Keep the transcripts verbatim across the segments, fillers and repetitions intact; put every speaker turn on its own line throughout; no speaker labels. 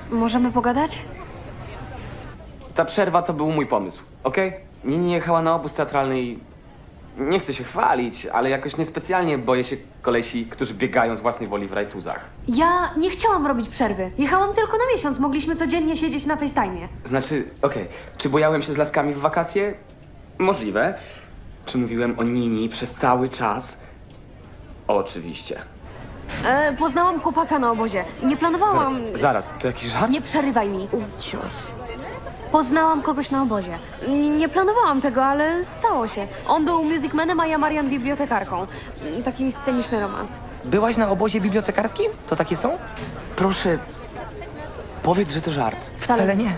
Możemy pogadać?
Ta przerwa to był mój pomysł, okej? Nini jechała na obóz teatralny i... Nie chcę się chwalić, ale jakoś niespecjalnie boję się kolesi, którzy biegają z własnej woli w rajtuzach.
Ja nie chciałam robić przerwy. Jechałam tylko na miesiąc. Mogliśmy codziennie siedzieć na FaceTime'ie.
Znaczy, okej, czy bojałem się z laskami w wakacje? Możliwe. Czy mówiłem o Nini przez cały czas? Oczywiście.
E, poznałam chłopaka na obozie. Nie planowałam...
Zaraz, zaraz, to jakiś żart?
Nie przerywaj mi. Cios. Poznałam kogoś na obozie. N- nie planowałam tego, ale stało się. On był musicmanem, a ja Marian bibliotekarką. Taki sceniczny romans.
Byłaś na obozie bibliotekarskim? To takie są?
Proszę, powiedz, że to żart.
Wcale,
Wcale nie.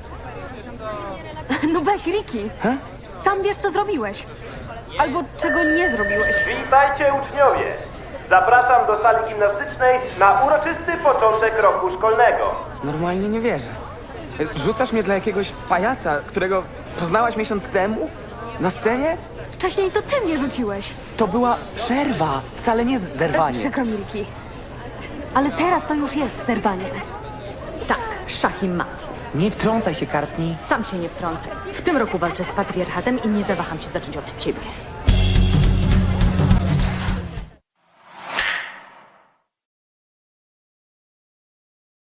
No weź, Ricky.
He?
Sam wiesz, co zrobiłeś. Albo czego nie zrobiłeś.
Witajcie uczniowie! Zapraszam do sali gimnastycznej na uroczysty początek roku szkolnego.
Normalnie nie wierzę. Rzucasz mnie dla jakiegoś pajaca, którego poznałaś miesiąc temu? Na scenie?
Wcześniej to ty mnie rzuciłeś.
To była przerwa, wcale nie
E,
zerwanie.
przykro mi, Ricky. Ale teraz to już jest zerwanie.
Tak, szach i mat.
Nie wtrącaj się, Courtney.
Sam się nie wtrącaj. W tym roku walczę z patriarchatem i nie zawaham się zacząć od ciebie.